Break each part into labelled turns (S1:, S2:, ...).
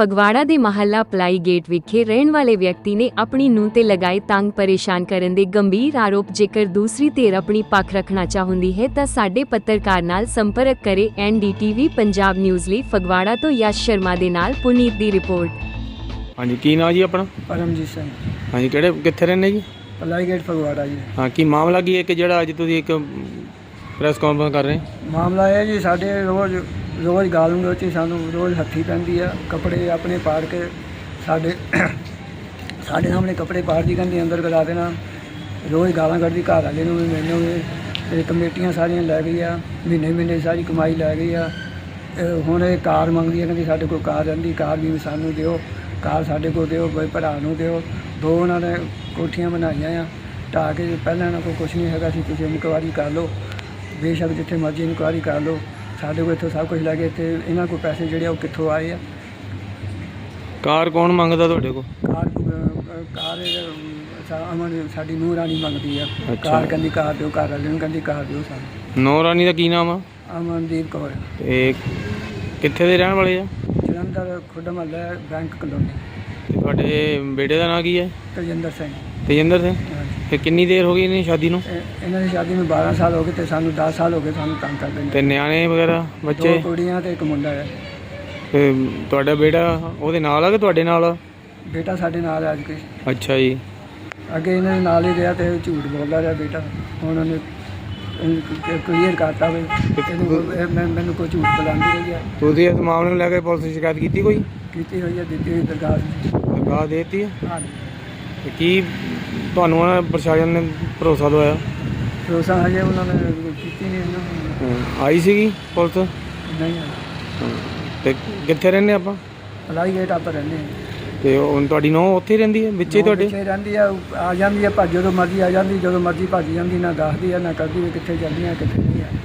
S1: ਫਗਵਾੜਾ ਦੇ ਮਹੱਲਾ ply gate ਵਿਖੇ ਰਹਿਣ ਵਾਲੇ ਵਿਅਕਤੀ ਨੇ ਆਪਣੀ ਨੂੰਹ ਤੇ ਲਗਾਏ ਤੰਗ ਪਰੇਸ਼ਾਨ ਕਰਨ ਦੇ ਗੰਭੀਰ ਆਰੋਪ। ਜੇਕਰ ਦੂਸਰੀ ਧਿਰ ਆਪਣੀ ਪੱਖ ਰੱਖਣਾ ਚਾਹੁੰਦੀ ਹੈ ਤਾਂ ਸਾਡੇ ਪੱਤਰਕਾਰ ਨਾਲ ਸੰਪਰਕ ਕਰੇ। NDTV ਪੰਜਾਬ ਨਿਊਜ਼ ਲਈ ਫਗਵਾੜਾ ਤੋਂ ਯਸ਼ ਸ਼ਰਮਾ ਦੇ ਨਾਲ ਪੁਨੀਤ ਦੀ ਰਿਪੋर्ट।
S2: हाँ जी, की नाम जी अपना?
S3: परमजीत सिंह,
S2: हाँ जी, किहड़े कित्थे रहंदे जी?
S3: पलाई गेट फगवाड़ा जी।
S2: हाँ, की मामला की है कि जिहड़ा अज तुसीं एक प्रेस कॉन्फ्रेंस कर रहे हैं?
S3: मामला है जी, साडे रोज़ गाल गलोची सानू रोज़ हत्थी पैंदी है। कपड़े अपने पाड़ के साडे सामने कपड़े पाड़ दी कहंदी अंदर करा देना। रोज़ गालां कढदी, घर वाले नूं भी मैनूं भी। ते कमेटियां सारियां लै गई आ, महीने सारी कमाई लै गई आ। हुण इह कार मंगदी है, कहंदी साडे कोल कार रहिंदी, कार भी सानू दिओ, कार साडे कोल दिओ, बई भरा नूं दिओ। दो उन्होंने कोठियां बनाईयां आ ढा के। पहले इन्हां कोल कुछ नहीं हैगा सी, तुसीं इनकुआरी कर लो, बेशक जिथे मर्जी इनकुआरी कर लो। साडे कोल इत्थों सब कुछ लैके इत्थे इन्हां कोल पैसे जिहड़े आ कित्थों आए आ।
S2: कार कौन मंगदा तुहाडे कोल?
S3: कार अमन साडी नूंह रानी मंगदी आ।
S2: अच्छा।
S3: कार कहंदी कार दिओ, घर वाले नूं कहंदी कार दिओ सानूं।
S2: नौ रानी दा की नाम आ?
S3: अमनदीप कौर,
S2: कित्थे दे रहण वाले आ?
S3: जलंधर खुड महल्ला बैंक कलोनी।
S2: ते तुहाडे बेटे दा नाम की है?
S3: तजिंदर सिंह।
S2: तेजिंदर सिंह।
S3: हाँ जी।
S2: ते कितनी देर हो गई इन्हें शादी नूं?
S3: इन्हां दी शादी में 12 साल हो गए ते सानू 10 साल हो गए सानू तंग करदे ने।
S2: ते न्याणे वगैरह बच्चे?
S3: 2 कुड़ियां ते 1 मुंडा है।
S2: ते तुहाडा बेटा ओहदे नाल आ कि तुहाडे नाल आ?
S3: बेटा साडे नाल है। अज के
S2: अच्छा जी।
S3: अगे इन्हां दे नाल ही रहा ते झूठ बोलदा रहा बेटा। हुण उन्हें क्लीयर करता वे मैनू कोई झूठ बुलांदी रही है।
S2: तुसीं इस मामले नूं लैके पुलिस दी शिकायत कीती कोई?
S3: कीती हुई है, दित्ती हुई
S2: दरगाह देती है?
S3: हाँ।
S2: ते की ਤੁਹਾਨੂੰ ਪ੍ਰਸ਼ਾਸਨ ਨੇ ਭਰੋਸਾ ਦਵਾਇਆ?
S3: भरोसा हजे उन्होंने कीती नहीं।
S2: ਆਈ ਸੀਗੀ ਪੁਲਿਸ?
S3: नहीं है।
S2: ਤੇ ਕਿੱਥੇ ਰਹਿੰਦੇ ਆਪਾਂ?
S3: पलाई गेट आप रहने
S2: ਤੇ ਹੁਣ ਤੁਹਾਡੀ ਨੂੰਹ ਉੱਥੇ ਹੀ ਰਹਿੰਦੀ ਹੈ ਵਿੱਚੇ ਤੁਹਾਡੇ?
S3: रहती है, आ जाती है भज जो मर्जी आ जाती, जो मर्जी भज जाती, ना दसदी है ना करती भी कितने चलती है कितने नहीं है।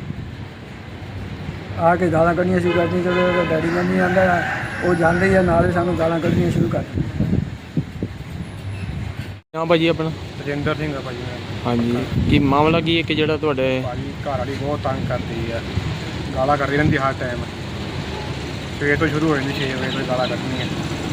S3: आके गालां कढ़नियां शुरू कर दी। जो डैडी मम्मी आंदा वो जाते ही नाल ही सानू गालां कढ़नियां शुरू कर दी।
S2: ਹਾਂ ਭਾਜੀ ਆਪਣਾ?
S4: ਤਜਿੰਦਰ ਸਿੰਘ ਆ ਭਾਜੀ ਮੈਂ।
S2: ਹਾਂਜੀ, ਕੀ ਮਾਮਲਾ ਕੀ ਹੈ ਕਿ ਜਿਹੜਾ ਤੁਹਾਡੇ?
S4: ਭਾਜੀ ਘਰ ਵਾਲੀ ਬਹੁਤ ਤੰਗ ਕਰਦੀ ਆ, ਗਾਲਾਂ ਕਰਦੀ ਰਹਿੰਦੀ ਹਰ ਟਾਈਮ। ਸਵੇਰ ਤੋਂ ਸ਼ੁਰੂ ਹੋ ਜਾਂਦੀ 6 ਵਜੇ ਤੋਂ ਗਾਲਾਂ ਕੱਢਣੀਆਂ।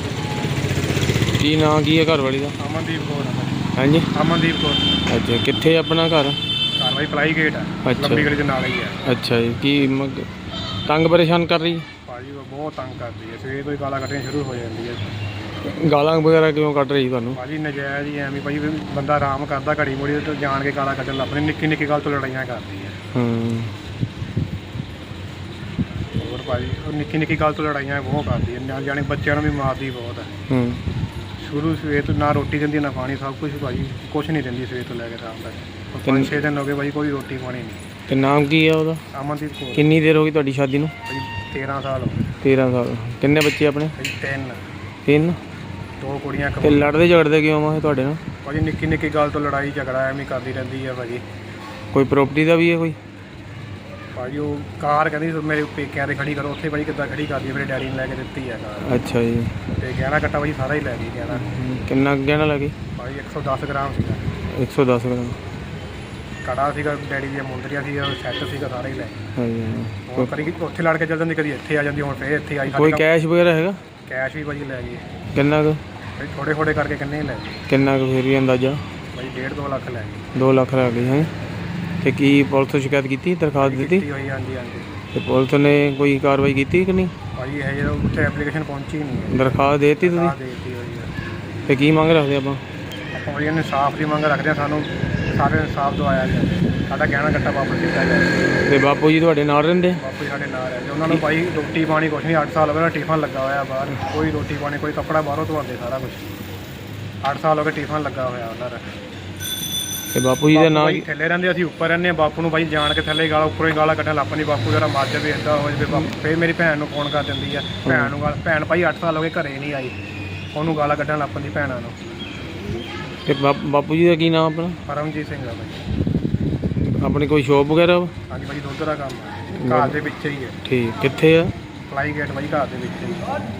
S2: ਕੀ ਨਾਂ ਕੀ ਹੈ ਘਰ ਵਾਲੀ ਦਾ?
S4: ਅਮਨਦੀਪ ਕੌਰ ਆ ਭਾਜੀ।
S2: ਹਾਂਜੀ,
S4: ਅਮਨਦੀਪ ਕੌਰ।
S2: ਅੱਛਾ, ਕਿੱਥੇ ਆਪਣਾ ਘਰ?
S4: ਘਰ ਭਾਈ ਪਲਾਈ ਗੇਟ ਆ,
S2: ਅੱਛਾ।
S4: ਲੰਬੀ ਗਲੀ ਦੇ ਨਾਲ ਹੀ ਆ।
S2: ਅੱਛਾ ਜੀ, ਕੀ ਤੰਗ ਪਰੇਸ਼ਾਨ ਕਰ ਰਹੀ?
S4: ਭਾਜੀ ਉਹ ਬਹੁਤ ਤੰਗ ਕਰਦੀ ਹੈ, ਸਵੇਰ ਤੋਂ ਹੀ ਗਾਲਾਂ ਕੱਢਣੀਆਂ ਸ਼ੁਰੂ ਹੋ ਜਾਂਦੀ ਹੈ।
S2: ਗਾਲਾਂ ਵਗੈਰਾ ਕਿਉਂ ਕੱਢ ਰਹੀ ਤੁਹਾਨੂੰ?
S4: ਭਾਜੀ ਨਜਾਇਜ਼ ਹੀ ਐਵੇਂ ਭਾਜੀ, ਬੰਦਾ ਆਰਾਮ ਕਰਦਾ ਘੜੀ ਮੁੜੀ ਤੋਂ ਜਾਣ ਕੇ ਗਾਲਾਂ ਕੱਢਣ ਲੱਗ ਪੈਂਦੀ। ਨਿੱਕੀ ਨਿੱਕੀ ਗੱਲ ਤੋਂ ਲੜਾਈਆਂ ਕਰਦੀ ਹੈ। ਹੋਰ ਭਾਜੀ ਉਹ ਨਿੱਕੀ ਨਿੱਕੀ ਗੱਲ ਤੋਂ ਲੜਾਈਆਂ ਬਹੁਤ ਕਰਦੀ ਹੈ, ਨਾਲ ਜਾਣੇ ਬੱਚਿਆਂ ਨੂੰ ਵੀ ਮਾਰਦੀ ਬਹੁਤ ਹੈ। ਸ਼ੁਰੂ ਸਵੇਰ ਤੋਂ ਨਾ ਰੋਟੀ ਦਿੰਦੀ ਨਾ ਪਾਣੀ, ਸਭ ਕੁਝ ਭਾਜੀ ਕੁਛ ਨਹੀਂ ਦਿੰਦੀ ਸਵੇਰ ਤੋਂ ਲੈ ਕੇ ਸ਼ਾਮ ਤੱਕ। 5-6 ਦਿਨ ਹੋ ਗਏ ਭਾਜੀ, ਕੋਈ ਰੋਟੀ ਪਾਣੀ ਨਹੀਂ।
S2: ਤੇ ਨਾਮ ਕੀ ਹੈ ਉਹਦਾ?
S4: ਅਮਨਦੀਪ ਕੌਰ।
S2: ਕਿੰਨੀ ਦੇਰ ਹੋ ਗਈ ਤੁਹਾਡੀ ਸ਼ਾਦੀ ਨੂੰ?
S4: ਭਾਜੀ 13 ਸਾਲ ਹੋ ਗਏ।
S2: 13 ਸਾਲ। ਕਿੰਨੇ ਬੱਚੇ ਆਪਣੇ?
S4: ਭਾਜੀ
S2: 3।
S4: 2 ਕੁੜੀਆਂ
S2: ਤੇ ਲੜਦੇ ਝਗੜਦੇ ਕਿਉਂ ਆ ਤੁਹਾਡੇ ਨਾਲ?
S4: ਭਾਜੀ ਨਿੱਕੀ ਨਿੱਕੀ ਗੱਲ ਤੋਂ ਲੜਾਈ ਝਗੜਾ ਐਵੇਂ ਕਰਦੀ ਰਹਿੰਦੀ ਹੈ ਭਾਜੀ।
S2: ਕੋਈ ਪ੍ਰਾਪਰਟੀ ਦਾ ਵੀ ਹੈ ਕੋਈ?
S4: ਭਾਜੀ ਉਹ ਕਾਰ ਕਹਿੰਦੀ ਮੇਰੇ ਪੇਕਿਆਂ ਤੇ ਖੜੀ ਕਰੋ, ਉੱਥੇ ਭਾਜੀ ਕਿੱਦਾਂ ਖੜੀ ਕਰਦੀ ਹੈ, ਮੇਰੇ ਡੈਡੀ ਨੇ ਲੈ ਕੇ ਦਿੱਤੀ ਹੈ ਕਾਰ।
S2: ਅੱਛਾ ਜੀ।
S4: ਤੇ ਗਹਿਣਾ ਕੱਟਾ ਭਾਜੀ ਸਾਰਾ ਹੀ ਲੈ ਗਈ ਗਹਿਣਾ।
S2: ਕਿੰਨਾ ਗਹਿਣਾ ਲੱਗੇ?
S4: ਭਾਜੀ 110 ਗ੍ਰਾਮ ਸੀਗਾ।
S2: 110 ਗ੍ਰਾਮ।
S4: ਕੜਾ ਸੀਗਾ, ਡੈਡੀ ਦੀਆਂ ਮੁੰਦਰੀਆਂ ਸੀ, ਸੈੱਟ ਸੀਗਾ, ਸਾਰਾ ਹੀ ਲੈ ਗਈ।
S2: ਹਾਂਜੀ।
S4: ਹੁਣ ਕਦੀ ਉੱਥੇ ਲੜ ਕੇ ਚੱਲ ਜਾਂਦੀ, ਕਦੀ ਇੱਥੇ ਆ ਜਾਂਦੀ, ਹੁਣ ਫੇਰ ਇੱਥੇ ਆਈ।
S2: ਕੋਈ ਕੈਸ਼ ਵਗੈਰਾ ਹੈਗਾ?
S4: ਕੈਸ਼ ਵੀ ਭਾਜੀ ਲੈ ਗਈ।
S2: ਕਿੰਨਾ ਕੁ?
S4: ਭਾਜੀ ਥੋੜੇ ਥੋੜੇ ਕਰਕੇ ਕਿੰਨੇ ਹੀ ਲੈ ਗਈ।
S2: ਕਿੰਨਾ ਕੁ ਫਿਰ ਵੀ ਅੰਦਾਜ਼ਾ?
S4: ਭਾਜੀ 1.5-2 ਲੱਖ ਲੈ ਗਈ।
S2: 2 ਲੱਖ ਲੱਗ ਗਈ ਹੈ। ਤੇ ਕੀ ਪੁਲਿਸ ਤੋਂ ਸ਼ਿਕਾਇਤ ਕੀਤੀ, ਦਰਖਾਸਤ ਦਿੱਤੀ?
S4: ਕੀਤੀ ਹੋਈ, ਹਾਂਜੀ ਹਾਂਜੀ।
S2: ਤੇ ਪੁਲਿਸ ਨੇ ਕੋਈ ਕਾਰਵਾਈ ਕੀਤੀ ਕਿ ਨਹੀਂ?
S4: ਭਾਜੀ ਇਹ ਜਦੋਂ ਉੱਥੇ ਐਪਲੀਕੇਸ਼ਨ ਪਹੁੰਚੀ ਨਹੀਂ ਹੈ।
S2: ਦਰਖਾਸਤ ਦੇ ਦਿੱਤੀ ਤੁਸੀਂ?
S4: ਦੇਤੀ ਹੋਈ ਹੈ।
S2: ਤੇ ਕੀ ਮੰਗ ਰੱਖਦੇ ਆਪਾਂ?
S4: ਆਪਾਂ ਭਾਜੀ ਇਨਸਾਫ ਦੀ ਮੰਗ ਰੱਖਦੇ ਹਾਂ, ਸਾਨੂੰ ਸਾਰੇ ਇਨਸਾਫ ਦਵਾਇਆ ਜਾਵੇ, ਸਾਡਾ ਗਹਿਣਾ ਕੱਟਾ ਵਾਪਸ ਕੀਤਾ ਜਾਵੇ।
S2: ਤੇ ਬਾਪੂ ਜੀ ਤੁਹਾਡੇ ਨਾਲ ਰਹਿੰਦੇ?
S4: ਬਾਪੂ ਜੀ ਸਾਡੇ ਨਾਲ ਰਹਿੰਦੇ। ਉਹਨਾਂ ਨੂੰ ਭਾਈ ਰੋਟੀ ਪਾਣੀ ਕੁਛ ਨਹੀਂ, 8 ਸਾਲ ਹੋ ਗਏ ਟਿਫਨ ਲੱਗਾ ਹੋਇਆ ਬਾਹਰ, ਕੋਈ ਰੋਟੀ ਪਾਣੀ ਕੋਈ ਕੱਪੜਾ ਬਾਹਰੋਂ ਧਵਾਉਂਦੇ, ਸਾਰਾ ਕੁਛ 8 ਸਾਲ ਹੋ ਗਏ ਟਿਫਨ ਲੱਗਾ ਹੋਇਆ ਉਹਨਾਂ ਦਾ।
S2: ਤੇ ਬਾਪੂ ਜੀ ਦਾ ਨਾਮ?
S4: ਭਾਈ ਥੱਲੇ ਰਹਿੰਦੇ, ਅਸੀਂ ਉੱਪਰ ਰਹਿੰਦੇ ਹਾਂ। ਬਾਪੂ ਨੂੰ ਭਾਈ ਜਾਣ ਕੇ ਥੱਲੇ ਗਾਲਾਂ, ਉੱਪਰੋਂ ਹੀ ਗਾਲਾਂ ਕੱਢਣ ਲੱਗ ਪੈਂਦੀ। ਬਾਪੂ ਜਰਾ ਮਰ ਜਾਵੇ, ਇੱਦਾਂ ਹੋ ਜਾਵੇ ਬਾਪੂ। ਫਿਰ ਮੇਰੀ ਭੈਣ ਨੂੰ ਫੋਨ ਕਰ ਦਿੰਦੀ ਆ, ਭੈਣ ਨੂੰ ਗਾਲ। ਭੈਣ ਭਾਈ 8 ਸਾਲ ਹੋ ਗਏ ਘਰੇ ਨਹੀਂ ਆਈ, ਉਹਨੂੰ ਗਾਲਾਂ ਕੱਢਣ ਲੱਗ ਪੈਂਦੀ ਭੈਣਾਂ ਨੂੰ।
S2: ਤੇ ਬਾਪੂ ਜੀ ਦਾ ਕੀ ਨਾਮ ਆਪਣਾ?
S4: ਪਰਮਜੀਤ ਸਿੰਘ ਆ ਭਾਈ।
S2: ਆਪਣੀ ਕੋਈ ਸ਼ੋਪ ਵਗੈਰਾ?
S4: ਹਾਂਜੀ ਭਾਜੀ ਦੁੱਧ ਦਾ ਕੰਮ ਹੈ, ਘਰ ਦੇ ਵਿੱਚ ਹੀ ਹੈ।
S2: ਠੀਕ, ਕਿੱਥੇ ਆ?
S4: ਪਲਾਈ ਗੇਟ ਭਾਈ, ਘਰ ਦੇ ਵਿੱਚ ਹੀ।